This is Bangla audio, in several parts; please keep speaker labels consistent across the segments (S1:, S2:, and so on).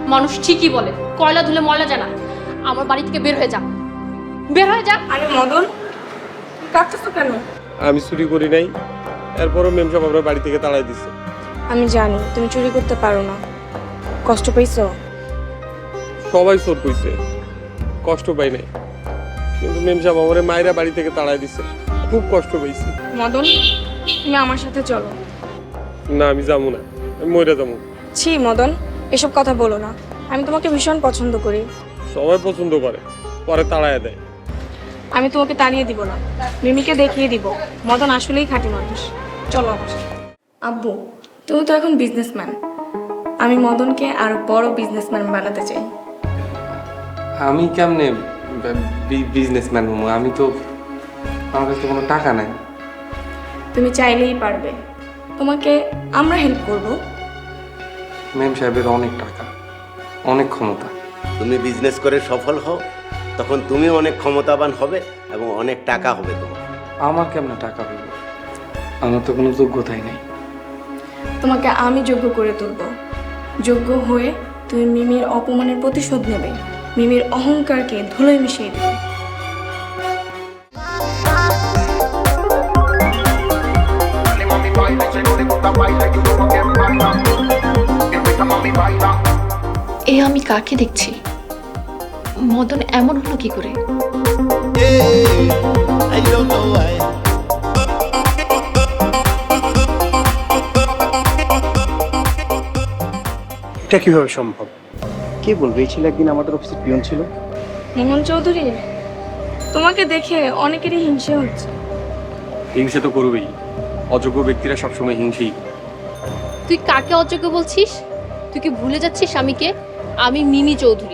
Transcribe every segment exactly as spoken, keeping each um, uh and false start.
S1: মানুষ ঠিকই বলে কয়লা ধুলে ময়লা যায় না। আমার বাড়ি থেকে বের হয়ে যা, বের হয়ে যা।
S2: আরে মদন, কাঁদতেছো কেন?
S3: আমি চুরি করি নাই, এরপরও মেম সাহেব আমরা বাড়ি থেকে তাড়াই দিচ্ছে।
S2: আমি জানি তুমি চুরি করতে পারো না, কষ্ট পাইছো?
S3: সবাই চোর কইছে, কষ্ট পাই নাই, কিন্তু মেম সাহেব আমার মায়েরা বাড়ি থেকে তাড়াই দিচ্ছে, খুব কষ্ট পাইছি।
S2: মদন, তুমি আমার সাথে চলো।
S3: না আমি যাবো না, আমি মইরা যাবো।
S2: ছি মদন, এসব কথা বলো না। আমি তোমাকে ভীষণ পছন্দ করি।
S3: সবাই পছন্দ করে, পরে তাড়ায় দেয়।
S2: আমি তোমাকে তাড়িয়ে দিব না, মিমিকে দেখিয়ে দিব মদন আসলেই খাঁটি মানুষ। চলো আমার সাথে। আব্বু, তুমি তো এখন বিজনেসম্যান, আমি মদনকে আরো বড় বিজনেসম্যান বানাতে চাই।
S4: আমি কেমনে বিজনেসম্যান হবো? আমি তো, আমার কাছে তো কোনো টাকা নাই।
S2: তুমি চাইলেই পারবে, তোমাকে আমরা হেল্প করব।
S4: ম্যাম সাহেবের অনেক টাকা, অনেক ক্ষমতা।
S5: তুমি বিজনেস করে সফল হও, তখন তুমি অনেক ক্ষমতাবান হবে এবং অনেক টাকা হবে তোমার।
S4: আমার কেমনে টাকা পাবো? আমার তো কোনো যোগ্যতাই নেই।
S2: তোমাকে আমি যোগ্য করে তুলব। যোগ্য হয়ে তুমি মিমির অপমানের প্রতিশোধ নেবে, মিমির অহংকারকে ধুলোয় মিশিয়ে দেবে।
S1: এ আমি কাকে দেখছি? মদন এমন হলো কি করে?
S6: এটা কিভাবে সম্ভব? কে বলবে এই ছেলে একদিন আমাদের অফিসের পিয়ন ছিল?
S2: মোহন চৌধুরী, তোমাকে দেখে অনেকেরই হিংসে হচ্ছে।
S3: হিংসে তো করবেই, অযোগ্য ব্যক্তিরা সবসময় হিংসেই।
S1: তুই কাকে অযোগ্য বলছিস? তুই কি ভুলে যাচ্ছিস আমি কে? আমি মিমি চৌধুরী।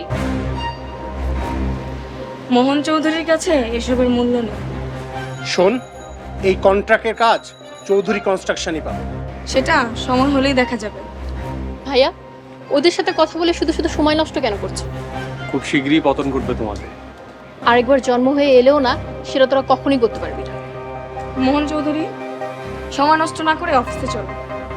S2: মোহন চৌধুরীর কাছে এসবের মূল্য নেই।
S6: শোন, এই কন্ট্রাক্টের কাজ চৌধুরী কনস্ট্রাকশনই পাবে।
S2: সেটা সময় হলেই দেখা যাবে।
S1: ভাইয়া, ওদের সাথে কথা বলে শুধু শুধু সময় নষ্ট কেন করছো?
S3: খুব শীঘ্রই পতন করবে তোমাদের।
S1: আরেকবার জন্ম হয়ে এলেও না, সেটা তোরা কখনোই করতে পারবি না।
S2: মোহন চৌধুরী, সময় নষ্ট না করে অফিসে চলো।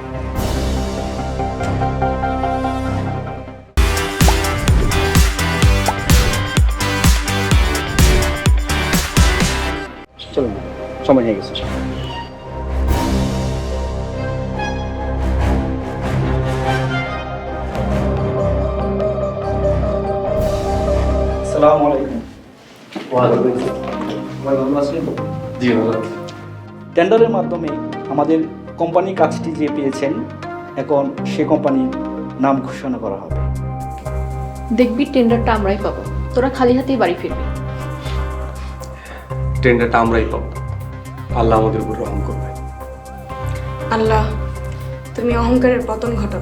S6: চলুন, সময় হয়ে গেছে। আসসালামু আলাইকুম।
S4: জি ভালো।
S7: টেন্ডারের মাধ্যমে আমাদের কোম্পানি কাজটি যে পেয়েছেন, এখন সে কোম্পানির নাম ঘোষণা করা হবে।
S1: দেখবি টেন্ডারটা আমরাই পাবো, তোরা খালি হাতেই বাড়ি ফিরবি।
S4: টেন্ডারটা আমরাই পাবো, আল্লাহ আমাদের উপর রহম করবে।
S2: আল্লাহ, তুমি অহংকারের পতন ঘটাও।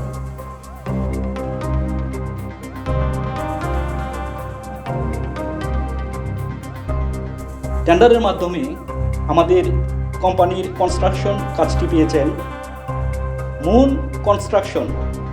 S7: টেন্ডারের মাধ্যমে আমাদের কোম্পানির কনস্ট্রাকশন কাজটি পেয়েছেন মুন কনস্ট্রাকশন।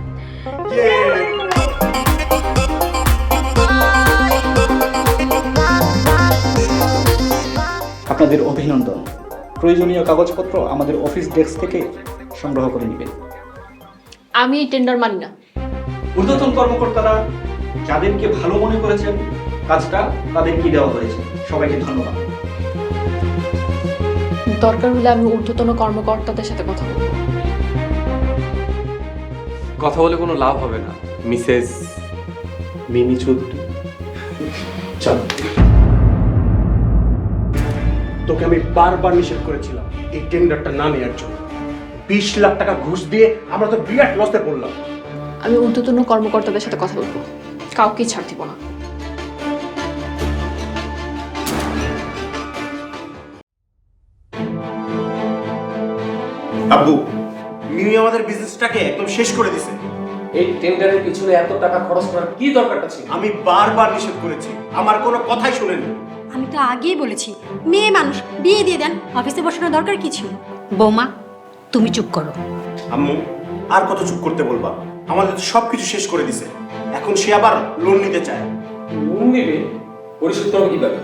S7: আপনাদের অভিনন্দন। প্রয়োজনীয় কাগজপত্র আমাদের অফিস ডেস্ক থেকে সংগ্রহ করে নেবেন।
S1: আমি এই টেন্ডার মানি না।
S7: ঊর্ধ্বতন কর্মকর্তারা যাদেরকে ভালো মনে করেছেন কাজটা তাদেরকে দেওয়া হয়েছে। সবাইকে ধন্যবাদ।
S1: দরকার হলে আমি ঊর্ধ্বতন কর্মকর্তাদের সাথে কথা বলবো।
S4: কথা বলে কোনো লাভ হবে না মিসেস মিমি চৌধুরী।
S6: চল, তোকে আমি বারবার নিষেধ করেছিলাম এই টেন্ডারটা না নেওয়ার জন্য। বিশ লাখ টাকা ঘুষ দিয়ে আমরা তো বিরাট লসে পড়লাম।
S1: আমি ঊর্ধ্বতন কর্মকর্তাদের সাথে কথা বলবো, কাউকেই ছাড় দিব না।
S8: আব্বু, মিমি আমাদের বিজনেসটাকে একদম শেষ করে দিছে।
S9: এই টেন্ডারের পিছনে এত টাকা খরচ করার কি দরকারটা ছিল?
S8: আমি বারবার নিষেধ করেছি, আমার কোনো কথাই শুনেনি।
S10: আমি তো আগেই বলেছি, মেয়ে মানুষ, বিয়ে দিয়ে দেন, অফিসে বসানোর দরকার কি ছিল? বৌমা, তুমি চুপ করো।
S8: আম্মু, আর কত চুপ করতে বলবা? আমাদের তো সবকিছু শেষ করে দিছে, এখন সে আবার লোন নিতে চায়।
S9: লোন নেবে? পরিশোধ করবো কিভাবে?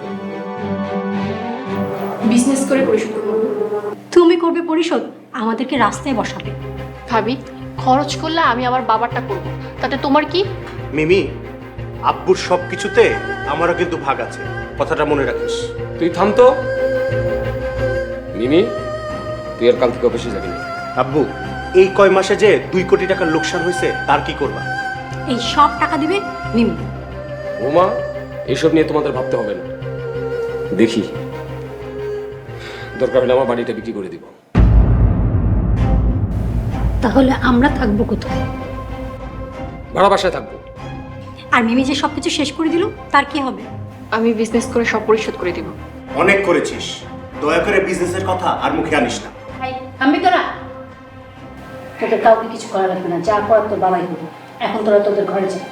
S1: বিজনেস করে পরিশোধ করবো।
S10: তুমি করবে পরিশোধ, আমাদেরকে রাস্তায় বসাবে।
S1: ভাবি, খরচ করলে আমি আমার বাবারটা করব, তাতে তোমার কি?
S8: মিমি, আব্বুর সব কিছুতে আমারও কিন্তু ভাগ আছে, কথাটা মনে রাখিস।
S9: তুই থাম তো। মিমি, তুই আর কাল থেকে অফিসে যাবি না।
S8: আব্বু, এই কয় মাসে যে দুই কোটি টাকার লোকসান হয়েছে, তার কি করবা?
S10: এই সব টাকা দিবে মিমি।
S9: বৌমা, এইসব নিয়ে তোমাদের ভাবতে হবে না। দেখি, দরকার হলে আমার বাড়িটা বিক্রি করে দিব।
S10: তাহলে আমরা থাকবো কোথায়?
S9: ভাড়া বাসায় থাকবো।
S10: আর মিমি যে সব কিছু শেষ করে দিল, তার কি হবে?
S2: আমি বিজনেস করে সব পরিশোধ করে দিব।
S8: অনেক করেছিস, দয়া করে বিজনেসের কথা আর মুখে আনিস না।
S10: থামবি তোরা? তোদের কাউকে কিছু করা লাগবে না, যা করার তোর বাবাই করবে। এখন তোরা তোদের ঘরে যা।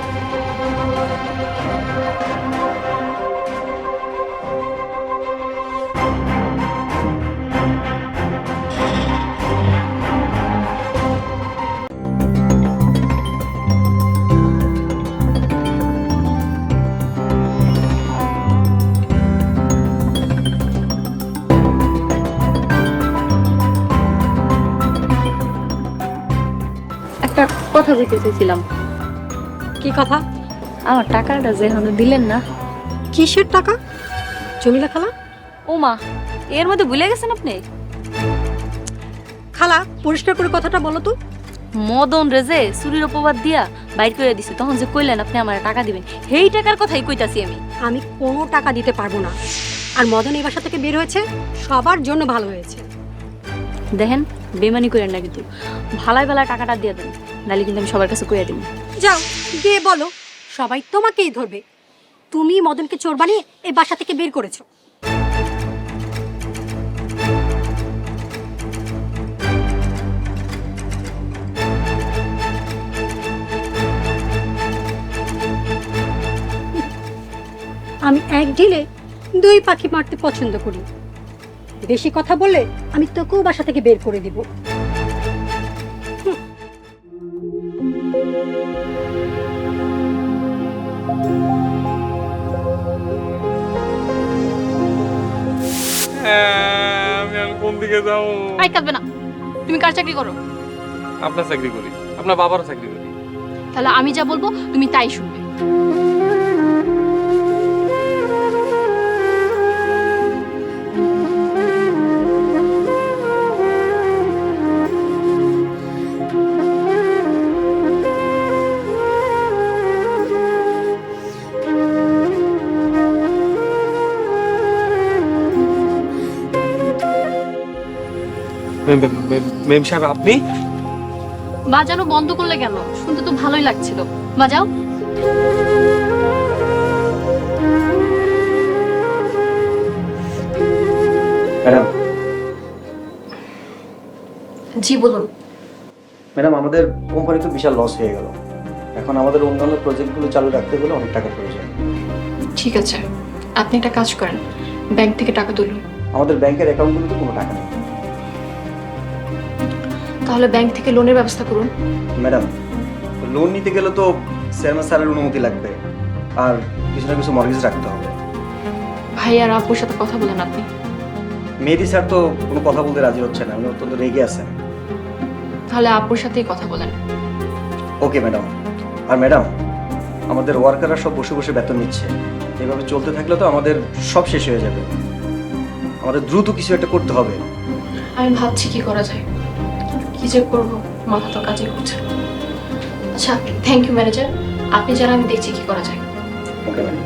S1: একটা কথা বলতে চাইছিলাম।
S2: কি কথা?
S1: আমার টাকাটা যে এখনো দিলেন না।
S10: কিসের টাকা? জমিলা খালা?
S1: ও মা, এর মধ্যে ভুলে গেছেন আপনি?
S10: খালা, পরিষ্কার করে কথাটা বলো তো।
S1: মদন রেজে চুরির অপবাদ দিয়া বাইর করে দিছে, তখন যে কইলেন আপনি আমার টাকা দিবেন, সেই টাকার কথাই কইতাছি আমি।
S10: আমি কোনো টাকা দিতে পারবো না। আর মদন এই বাসা থেকে বের হয়েছে সবার জন্য ভালো হয়েছে।
S1: দেখেন, বেমানি করেন না কিন্তু, ভালাই ভালাই টাকাটা দিয়ে দেন, নাহলে কিন্তু আমি সবার কাছে কইয়া দিব।
S10: যাও গিয়ে বলো, সবাই তোমাকেই ধরবে। তুমি মদনকে চোর বানিয়ে এই বাসা থেকে বের করেছো। আমি এক ঢিলে দুই পাখি মারতে পছন্দ করি। বেশি কথা বললে আমি তোকেও বাসা থেকে বের করে দিব।
S3: আমি আর কোন দিকে যাবো?
S1: আই কাঁদবে না। তুমি কার চাকরি করো?
S3: আপনার চাকরি করি, আপনার বাবারও চাকরি করি।
S1: তাহলে আমি যা বলবো তুমি তাই শুনবে।
S3: মেম সাহেব, আপনি?
S1: বাজানো বন্ধ করলে কেন? শুনতে তো ভালোই লাগছিল, বাজাও।
S7: ম্যাডাম,
S1: জি বলুন।
S7: ম্যাডাম, আমাদের কোম্পানি তো বিশাল লস হয়ে গেল। এখন আমাদের অন্যান্য প্রজেক্টগুলো চালু রাখতে গেলে অনেক টাকা প্রয়োজন।
S2: ঠিক আছে, আপনি একটা কাজ করেন, ব্যাংক থেকে টাকা তুলুন।
S7: আমাদের ব্যাংকের অ্যাকাউন্টগুলোতে কোনো টাকা নেই।
S2: তাহলে ব্যাংক থেকে লোনের ব্যবস্থা করুন।
S7: ম্যাডাম, লোন নিতে গেলে তো চেয়ারম্যান স্যারের অনুমতি লাগবে, আর কিছু না কিছু মর্গেজ রাখতে হবে।
S2: ভাই আর আব্বুর সাথে কথা বলেন আপনি।
S7: মেহেদি স্যার তো কোনো কথা বলতে রাজি হচ্ছে না, উনি অত্যন্ত রেগে আছেন।
S2: তাহলে আব্বুর সাথেই কথা বলেন।
S7: Okay madam. আর ম্যাডাম, আমাদের ওয়ার্কাররা সব বসে বসে বেতন নিচ্ছে। এভাবে চলতে থাকলে তো আমাদের সব শেষ হয়ে যাবে। আমাদের দ্রুত কিছু একটা করতে হবে।
S2: আমি ভাবছি কি করা যায়, কি যে করবো, মাথা তো কাজই করছে। আচ্ছা, থ্যাংক ইউ ম্যানেজার, আপনি যারা, আমি দেখছি কি করা যায়।
S7: Okay madam.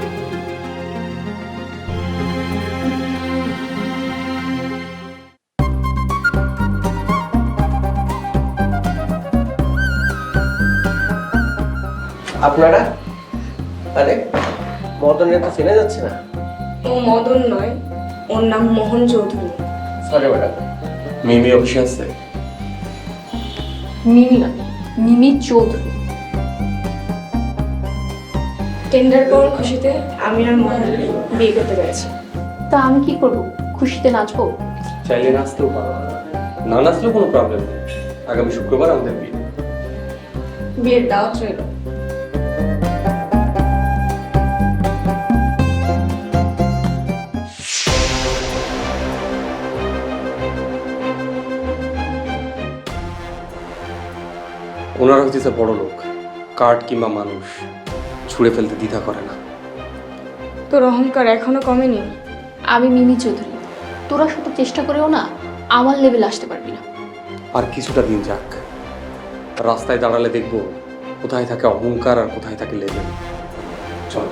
S4: আপনারা? আরে, মদনের তো চেনা যাচ্ছে না।
S2: ও মদন নয়, ওর নাম মোহন চৌধুরী।
S4: Sorry madam. মিমি অফিসে আছে?
S2: মিমি না, মিমি চৌধুরী। টেন্ডার পাওয়ার খুশিতে আমি আর মোহন বিয়ে করতে পেরেছি। তা আমি কি করব? খুশিতে নাচবো?
S4: চাইলে নাচতেও পারো, না নাচলেও কোনো প্রবলেম নেই। আগামী শুক্রবার আমাদের বিয়ে।
S2: বিয়ের দাওয়াত রইল।
S4: ওনারা হচ্ছে বড় লোক, কার্ড কিংবা মানুষ ছুঁড়ে ফেলতে দ্বিধা করে না।
S2: তোর অহংকার এখনো কমেনি।
S11: আমি মিমি চৌধুরী, তোরা শুধু চেষ্টা করেও না আমার লেভেল আসতে পারবি না।
S4: আর কিছুটা দিন যাক, রাস্তায় দাঁড়ালে দেখবো কোথায় থাকে অহংকার আর কোথায় থাকে লেভেল। চল।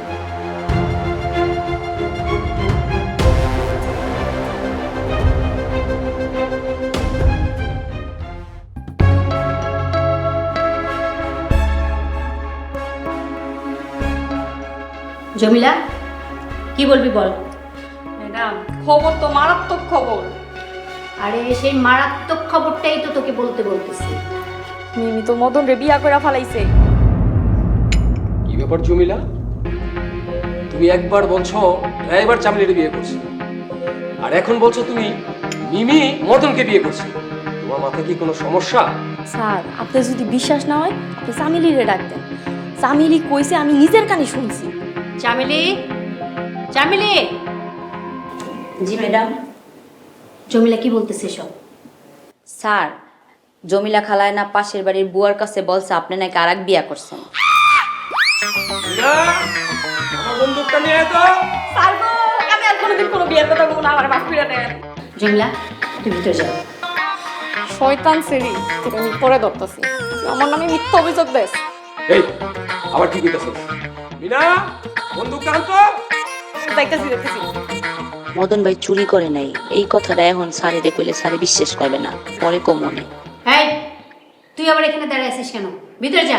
S10: জমিলা, কি বলবি বল।
S2: ম্যাডাম, খবর তো মারাত্মক খবর।
S10: আরে সেই মারাত্মক খবরটাই তো তোকে বলতে বলতেছি।
S2: মিমি তো মদন রে বিয়া করে ফেলাইছে।
S9: কি ব্যাপার জমিলা, তুমি একবার বলছো এবার চামলিরে বিয়ে করছি, আর এখন বলছো তুমি মিমি মদনকে বিয়ে করছি। তোমার মাথায় কি কোনো সমস্যা?
S1: স্যার, আপনার যদি বিশ্বাস না হয় আপনি চামেলিরে ডাক দেন। চামেলি কইছে, আমি নিজের কানে শুনছি।
S10: চামেলি, চামেলি। জি ম্যাডাম। জমিলা কি বলতেছে সব?
S12: স্যার, জমিলা খালায় না পাশের বাড়ির বুয়ার কাছে বলছে আপনি নাকি আর এক বিয়া করছেন।
S9: আমার বন্দুকটা নিয়ে আয় তো।
S2: স্যার গো, আমি আর কোনোদিন কোনো বিয়ের কথা বলবো না, আমার বাপ ফিরে দেন।
S10: জমিলা, তুই ভিতরে যাও।
S2: শয়তান সেরি, তোকে আমি পরে ধরতেছি। আমার নামে মিথ্যা অভিযোগ দেস।
S9: এই আবার কি কইতাছ? মিনা, বন্দুকটা আন তো।
S2: দেখতেছি দেখতেছি।
S12: মদন ভাই চুরি করে নাই, এই কথাটা এখন স্যারে কইলে স্যারে বিশ্বাস করবে না, পরে কমনে।
S10: এই, তুই আবার এখানে দাঁড়ায় আছিস কেন? ভিতরে যা।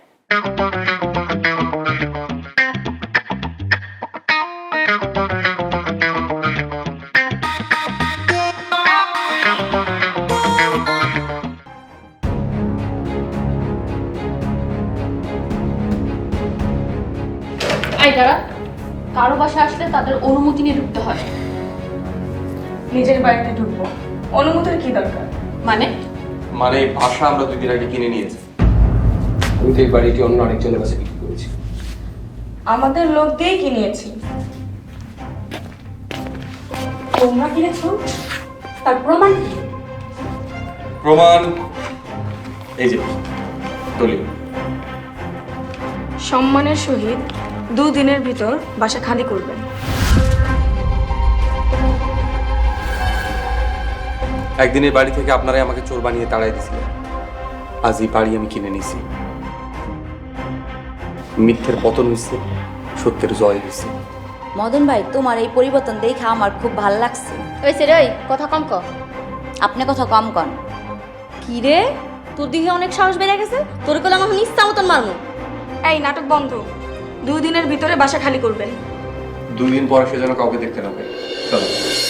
S11: এই দাঁড়া, কারো বাসায় আসলে তাদের অনুমতি নিয়ে ঢুকতে হয়।
S2: নিজের বাড়িতে ঢুকবো, অনুমতির কি দরকার?
S11: মানে
S4: মানে এই ভাষা আমরা দুই দিন আগে কিনে নিয়েছি।
S9: আমি তো এই বাড়িটি অন্য আরেকজনের কাছে বিক্রি করেছি।
S2: আমাদের লোক দিয়ে কিনেছি।
S10: তোমরা কিনেছো? তার প্রমাণ কি?
S4: প্রমাণ এই যে দলিল।
S2: সম্মানের সহিত দুদিনের ভিতর বাসা খালি করবেন।
S4: একদিনের বাড়ি থেকে আপনারাই আমাকে চোর বানিয়ে তাড়াই দিয়েছিলেন, আজ এই বাড়ি আমি কিনে নিয়েছি। মিথ্যের পতন হয়েছে, সত্যের জয় হয়েছে।
S12: মদন ভাই, তোমার এই পরিবর্তন দেখে আমার খুব ভাল লাগছে।
S10: ওই সে রে, কথা কম ক।
S12: আপনি কথা কম কন।
S1: কি রে, তোর দিকে অনেক সাহস বেড়ে গেছে। তোর কলে আমার ইচ্ছা মতন মারমু।
S2: এই নাটক বন্ধ, দুই দিনের ভিতরে বাসা খালি করবেন।
S4: দুই দিন পরে সে যেন কাউকে দেখতে না পাই। চলো।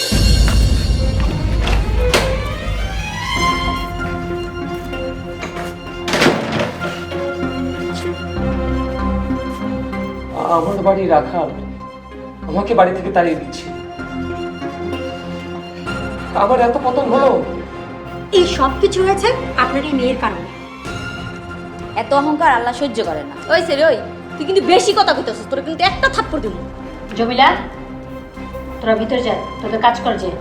S9: আমার বাড়ি রাখাল আমাকে বাড়ি থেকে তাড়িয়ে দিচ্ছে, আমার এত পতন হলো।
S10: এই সব কিছু হয়েছে আপনার এই মেয়ের কারণে।
S12: এত অহংকার আল্লাহ সহ্য করে না।
S1: ওই সে রে, ওই তুই কিন্তু বেশি কথা কইতেছিস। তোর কিন্তু একটা থাপ্পড় দিব।
S10: জমিলা, তোরা ভিতরে যা, তোদের কাজ কর যে।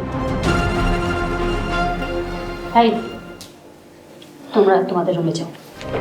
S10: ভাই, তোমরা তোমাদের রুমে যাও।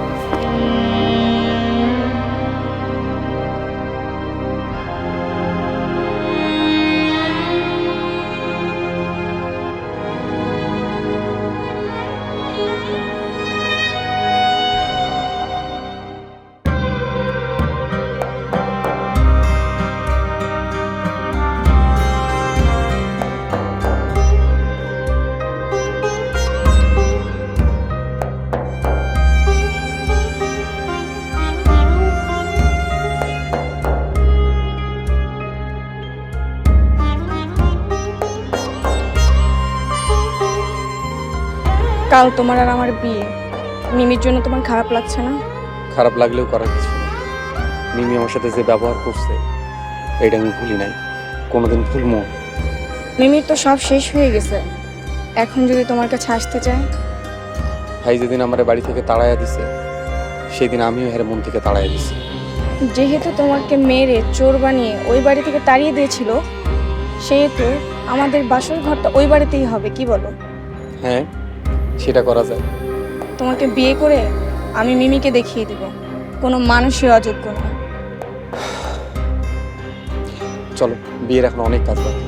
S2: কাল তোমার আর আমার বিয়ে, মিমির জন্য তোমার খারাপ লাগছে না?
S4: খারাপ লাগলেও করার কিছু নেই। মিমি আমার সাথে যে ব্যবহার করছে এটা আমি ভুলি নাই, কোনোদিন ভুলবো।
S2: মিমির তো সব শেষ হয়ে গেছে, এখন যদি তোমার কাছে আসতে চায়?
S4: ভাই যেদিন আমার বাড়ি থেকে তাড়াইয়া দিছে সেদিন আমিও হের মন থেকে তাড়াইয়া দিছি।
S2: যেহেতু তোমাকে মেরে চোর বানিয়ে ওই বাড়ি থেকে তাড়িয়ে দিয়েছিল, সেহেতু আমাদের বাসর ঘরটা ওই বাড়িতেই হবে, কি বলো?
S4: হ্যাঁ, সেটা করা যায়।
S2: তোমাকে বিয়ে করে আমি মিমিকে দেখিয়ে দিব কোনো মানুষই অযোগ্য না।
S4: চলো, বিয়ের এখন অনেক কাজ বাকি।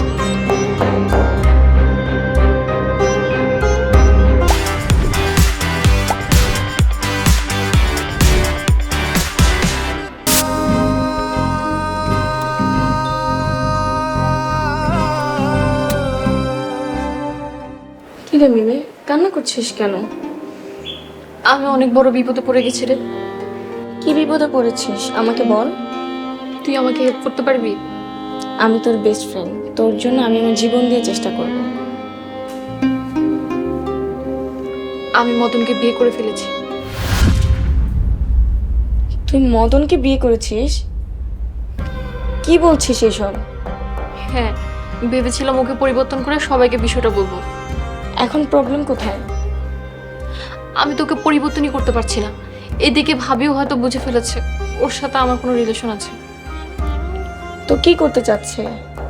S2: কি রে মিমি, কান্না করছিস কেন?
S11: আমি অনেক বড় বিপদে পড়ে গেছি রে।
S2: কি বিপদে পড়েছিস আমাকে বল।
S11: তুই আমাকে হেল্প করতে পারবি?
S2: আমি তোর বেস্ট ফ্রেন্ড, তোর জন্য আমি আমার জীবন দিয়ে চেষ্টা করব।
S11: আমি মদনকে বিয়ে করে ফেলেছি।
S2: তুই মদনকে বিয়ে করেছিস? কি বলছিস এসব?
S11: হ্যাঁ, ভেবেছিলাম ওকে পরিবর্তন করে সবাইকে বিষয়টা বলবো।
S2: এখন প্রবলেম কোথায়?
S11: আমি তোকে পরিবর্তনই করতে পারছি না। এদিকে ভাবিও হয়তো বুঝে ফেলেছে ওর সাথে আমার কোনো রিলেশন আছে।
S2: তো কি করতে চাচ্ছে?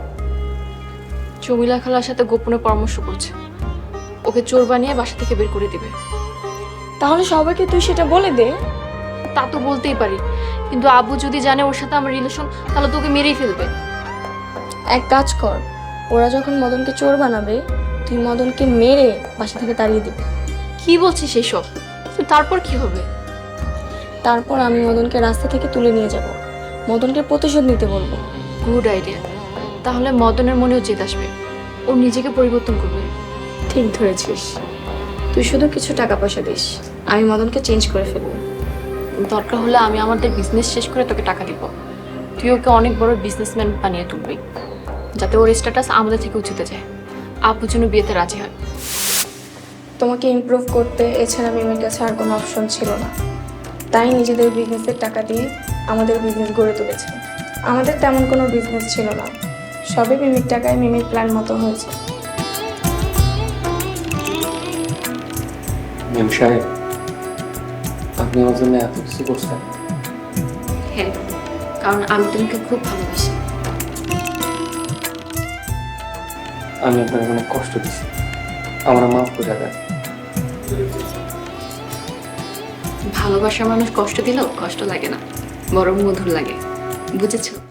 S11: জমিলা খালার সাথে গোপনে পরামর্শ করছে, ওকে চোর বানিয়ে বাসা থেকে বের করে দিবে।
S2: তাহলে সবাইকে তুই সেটা বলে দে।
S11: তা তো বলতেই পারি, কিন্তু আব্বু যদি জানে ওর সাথে আমার রিলেশন, তাহলে তোকে মেরেই ফেলবে।
S2: এক কাজ কর, ওরা যখন মদনকে চোর বানাবে তুই মদনকে মেরে বাসা থেকে তাড়িয়ে দিবি।
S11: কি বলছিস এসব? তো তারপর কি হবে?
S2: তারপর আমি মদনকে রাস্তা থেকে তুলে নিয়ে যাব, মদনকে প্রতিশোধ নিতে বলবো।
S11: Good idea. তাহলে মদনের মনেও জেদ আসবে, ও নিজেকে পরিবর্তন করবে।
S2: ঠিক ধরেছিস। তুই শুধু কিছু টাকা পয়সা দিস, আমি মদনকে চেঞ্জ করে ফেলবো।
S11: দরকার হলে আমি আমাদের বিজনেস শেষ করে তোকে টাকা দিব। তুই ওকে অনেক বড় বিজনেসম্যান বানিয়ে তুলবি, যাতে ওর স্ট্যাটাস আমাদের থেকে উঁচুতে যায়, আপু যেন বিয়েতে রাজি হয়।
S2: তোমাকে ইমপ্রুভ করতে এছাড়া মিমের কাছে আর কোনো অপশন ছিল না, তাই নিজেদের বিজনেসের টাকা দিয়ে আমাদের বিজনেস গড়ে তুলেছে। আমাদের তেমন কোনো বিজনেস ছিল না, সবই মিমির টাকায় মিমির প্ল্যান মতো হয়েছে।
S4: মেম সাহেব, আপনি আমার জন্য এত কিছু করছেন।
S11: হ্যাঁ, কারণ আমি তোমাকে খুব ভালোবাসি।
S4: আমি আপনাকে অনেক কষ্ট দিচ্ছি, আমার মাফ করে দেন।
S11: ভালোবাসার মানুষ কষ্ট দিলেও কষ্ট লাগে না, বরং মধুর লাগে, বুঝেছো?